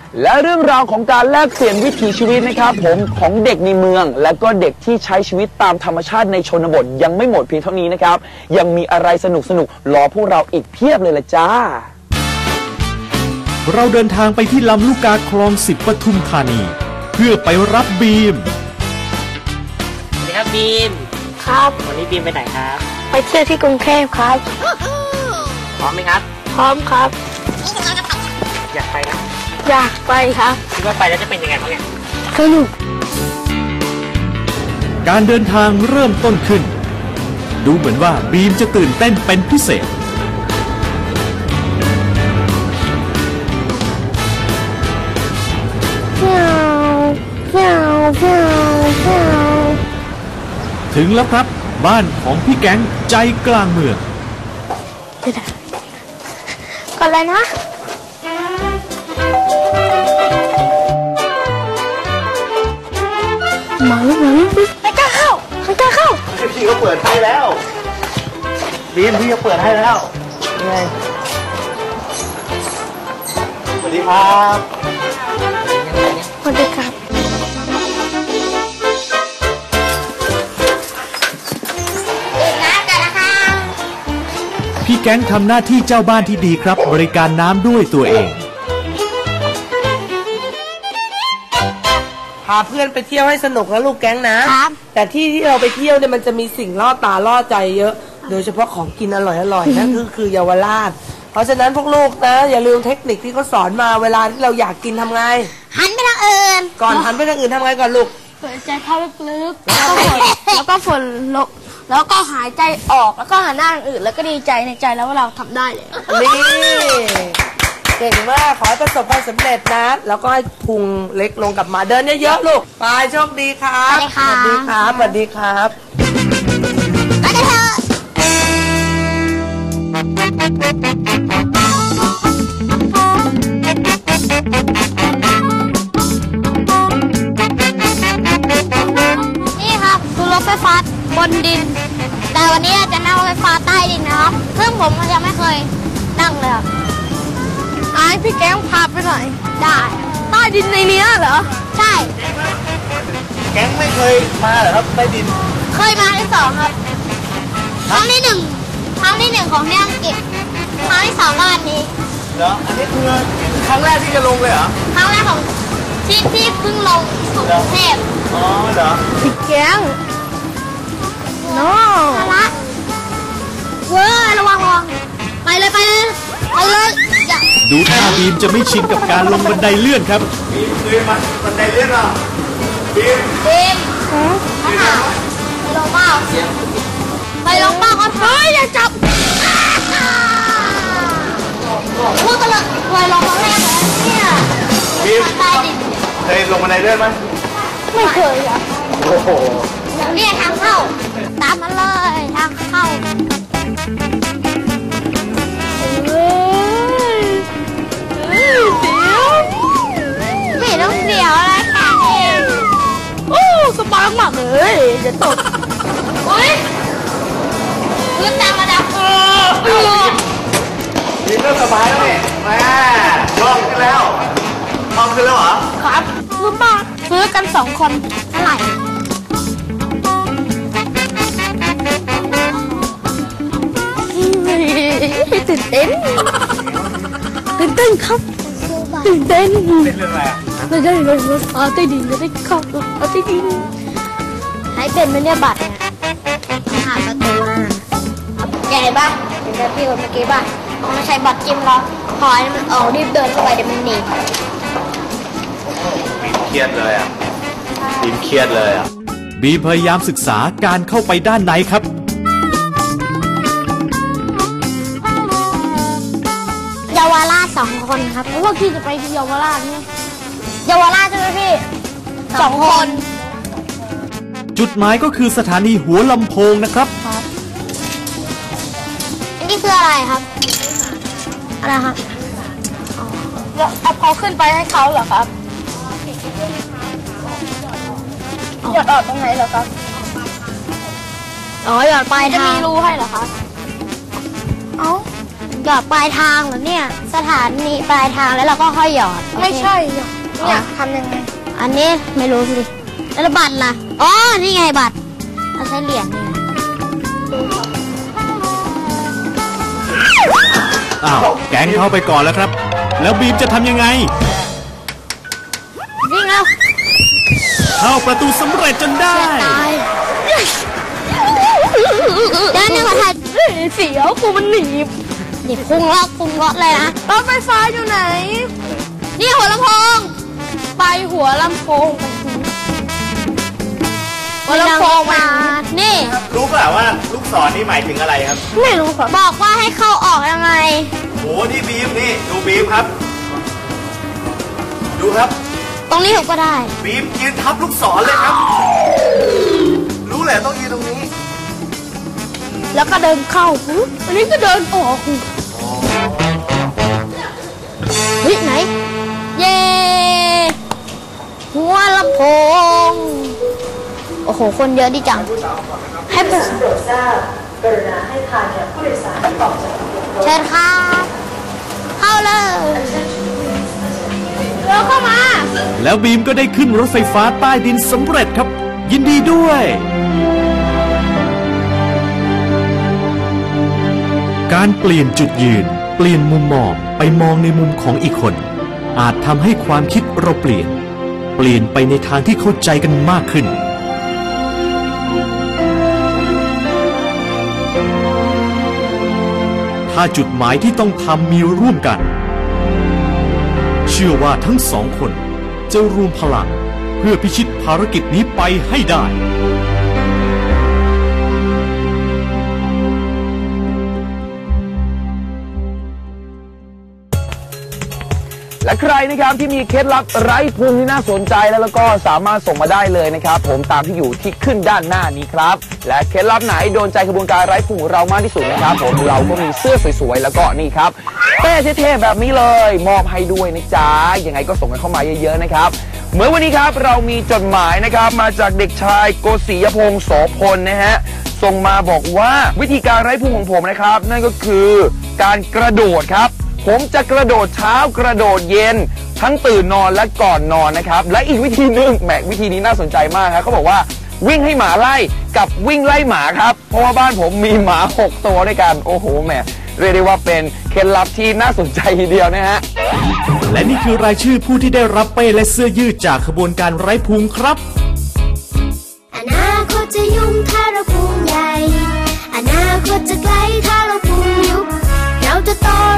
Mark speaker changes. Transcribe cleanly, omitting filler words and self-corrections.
Speaker 1: และเรื่องราวของการแลกเปลี่ยนวิถีชีวิตนะครับผมของเด็กในเมืองและก็เด็กที่ใช้ชีวิตตามธรรมชาติในชนบทยังไม่หมดเพียงเท่านี้นะครับยังมีอะไรสนุกรอพวกเราอีกเพียบเลยล่ะจ้า
Speaker 2: เราเดินทางไปที่ลำลูกกาคลอง10ปทุมธานีเพื่อไปรับบีม
Speaker 3: สวัสดีครับบีม
Speaker 4: ครับ
Speaker 3: วันนี้บีมไปไหนครับ
Speaker 4: ไปเที่ยวที่กรุงเทพครับ
Speaker 3: พร้อมไหมครับ
Speaker 4: พร้อมครับ
Speaker 3: อยากไปครับ
Speaker 4: อยากไปครับ
Speaker 3: คิดว่าไปแล้วจะเป็นยังไงบ้างเนี่ย
Speaker 4: สนุก
Speaker 2: การเดินทางเริ่มต้นขึ้นดูเหมือนว่าบีมจะตื่นเต้นเป็นพิเศษถึงแล้วครับบ้านของพี่แก๊งใจกลางเมือง
Speaker 4: ก่อนเลยนะหมาไม่กล้าเข้า
Speaker 5: พี่เขาเปิดให้แล้วบีมพี่เขาเปิดให้แล้วไงสวัสดีครับ
Speaker 4: สวัสดีครับ
Speaker 2: พี่แก๊งทำหน้าที่เจ้าบ้านที่ดีครับบริการน้ำด้วยตัวเอง
Speaker 6: พาเพื่อนไปเที่ยวให้สนุกนะลูกแก๊งนะครับแต่ที่เราไปเที่ยวเนี่ยมันจะมีสิ่งล่อตาล่อใจเยอะโดยเฉพาะของกินอร่อยๆนั่นคือเยาวราชเพราะฉะนั้นพวกลูกนะอย่าลืมเทคนิคที่เขาสอนมาเวลาที่เราอยากกินทำไง
Speaker 4: หันไปทางอื่น
Speaker 6: ก่อนหันไปทางอื่นทำไงก่อนลูก
Speaker 4: หายใจเข้าลึกๆแล้วก็ฝนลงแล้วก็หายใจออกแล้วก็หันหน้าทางอื่นแล้วก็ดีใจในใจแล้วว่าเราทำได้เลย
Speaker 6: นี่เก่งมากขอให้ประสบความสำเร็จนะแล้วก็ให้พุงเล็กลงกลับมาเดินเยอะๆลูกไปโชคดีครับ
Speaker 4: สวัสดีครับ
Speaker 6: สวัสดีครับ
Speaker 4: ไปกันเถอะนี่ครับดูรถไฟฟ้าบนดินแต่วันนี้จะนั่งรถไฟฟ้าใต้ดินนะครับซึ่งผมยังไม่เคยนั่งเลยครับพี่แก๊งพาไปหน่อยได้ใต้ดินในนี้เหรอใช่
Speaker 5: แก๊งไม่เคยมาเหรอครับใต้ดิน
Speaker 4: เคยมาที่2ครับครั้งที่1ของที่อังกฤษครั้งที่2บ้านนี้
Speaker 5: เหรออันนี้คือครั้งแรกที่จะลงเลยเหรอ
Speaker 4: ครั้งแรกของที่เพิ่งลงของกรุงเทพ
Speaker 5: อ๋อเหรอ
Speaker 4: พี่แก๊งโน่ละเว้ยระวังไปเลย
Speaker 2: ดูท่าบีมจะไม่ชินกับการลงบันไดเลื่อนครับ
Speaker 5: บีมเคยมาบันไดเลื่อนเหรอบีม
Speaker 4: ข้าวไปลงเป้าครับอย่าจับพูดกันเลยเคยลงครั้งแรกเนี่ย
Speaker 5: บีมเคยลงบันไดเลื่อนไหม
Speaker 4: ไม่เคยครับ
Speaker 5: โอ้โห
Speaker 4: เนี่ยทางเข้าตามมาเลยทางเข้าไม่ต้องเสียวอะไรแค่นี้โอ้สบายมากเลยจะตกขึ้นตามมาแล้ว
Speaker 5: บีมก็สบายแล้วนี่แม่ลองขึ้นแล้วเหรอ
Speaker 4: ครับซื้อกัน2 คนเท่าไหร่ตื่นเต้นครับตื่นเต้น
Speaker 5: เรื่องอะไร
Speaker 4: ไม่ได้เลยรถใต้ดินไม่ได้เข้ารถใต้ดินให้เป็นไหมเนี่ยบัตรเนี่ยหาประตูแกเห็นป่ะเห็นพี่คนเมื่อกี้ป่ะต้องใช้บัตรจิ้มแล้วพอให้มันออกรีบเดินเข้าไปเดี๋ยวมันหนี
Speaker 5: บีมเครียดเลย
Speaker 2: บีมพยายามศึกษาการเข้าไปด้านในครับ
Speaker 4: เยาวราช2 คนครับเพราะว่าพี่จะไปเยาวราชเนี่ยเยาวราชใช่ไหมพี่2 คน
Speaker 2: จุดหมายก็คือสถานีหัวลำโพงนะครับ
Speaker 4: อันนี้คืออะไรครับอะไรครับแล้วเอาเขาขึ้นไปให้เขาเหรอครับหยอดออกตรงไหนเหรอครับหยอดไปจะมีรูให้เหรอครับหยอดปลายทางเหรอเนี่ยสถานีปลายทางแล้วเราก็ค่อยหยอดไม่ใช่เนี่ยทำยังไงอันนี้ไม่รู้สิแล้วบัตรล่ะอ๋อนี่ไงบัตรเราใช้เหรียญนี่
Speaker 2: อ้าวแก๊งเข้าไปก่อนแล้วครับ แล้วบีมจะทำยังไง
Speaker 4: วิ่งแล้ว
Speaker 2: เข้าประตูสำเร็จจนได้
Speaker 4: เดี๋ยวนึงก่อนค่ะเสียวกูมันหนีนี่พุ่งเลาะเลยนะรถไฟฟ้าอยู่ไหนนี่หัวลำโพงไปหัวลำโพงหัวลำโพงมานี่
Speaker 5: รู้เปล่าว่าลูกศรนี่หมายถึงอะไรครับ
Speaker 4: ไม่รู้ค่ะบอกว่าให้เข้าออกยังไง
Speaker 5: โหนี่บีมนี่ดูบีมครับ ดูครับ
Speaker 4: ตรงนี้ผมก็ได้
Speaker 5: บีมยืนทับลูกศรเลยครับ รู้แหละต้องยืนตรงนี้
Speaker 4: แล้วก็เดินเข้าอันนี้ก็เดินออกเฮ้ยไหนเย่หัวลำโพงโอ้โหคนเยอะดีจังให้ผู้โปรดทราบกรุณาให้ทางแก่ผู้โดยสารที่ออกจากเชิญครับเข้าเลยเร็วเข้ามา
Speaker 2: แล้วบีมก็ได้ขึ้นรถไฟฟ้าใต้ดินสำเร็จครับ ยินดีด้วย การเปลี่ยนจุดยืนเปลี่ยนมุมมองไปมองในมุมของอีกคน อาจทำให้ความคิดเราเปลี่ยนไปในทางที่เข้าใจกันมากขึ้น ถ้าจุดหมายที่ต้องทำมีร่วมกัน เชื่อว่าทั้งสองคนจะรวมพลังเพื่อพิชิตภารกิจนี้ไปให้ได้
Speaker 1: และใครนะครับที่มีเคล็ดลับไร้ภูมิที่น่าสนใจแล้วก็สามารถส่งมาได้เลยนะครับผมตามที่อยู่ที่ขึ้นด้านหน้านี้ครับและเคล็ดลับไหนโดนใจขบวนการไร้ภูมิของเรามากที่สุดนะครับผมเราก็มีเสื้อสวยๆแล้วก็นี่ครับเป้เท่ๆแบบนี้เลยมอบให้ด้วยนะจ๊ะยังไงก็ส่งกันเข้ามาเยอะๆนะครับเมื่อวันนี้ครับเรามีจดหมายนะครับมาจากเด็กชายโกศิยพงศ์โสพลนะฮะส่งมาบอกว่าวิธีการไร้ภูมิของผมนะครับนั่นก็คือการกระโดดครับผมจะกระโดดเช้ากระโดดเย็นทั้งตื่นนอนและก่อนนอนนะครับและอีกวิธีหนึ่งแหมวิธีนี้น่าสนใจมากครับเขาบอกว่าวิ่งให้หมาไล่กับวิ่งไล่หมาครับเพราะว่าบ้านผมมีหมา6ตัวด้วยกันโอ้โหแหมเรียกได้ว่าเป็นเคล็ดลับที่น่าสนใจทีเดียวนะฮะ
Speaker 2: และนี่คือรายชื่อผู้ที่ได้รับเป้และเสื้อยืดจากขบวนการไร้ภูมิครับ
Speaker 7: อนาคตจะยุ่งถ้าเราภูมิใหญ่อนาคตจะไกลถ้าเราภูมิยุบเราจะโต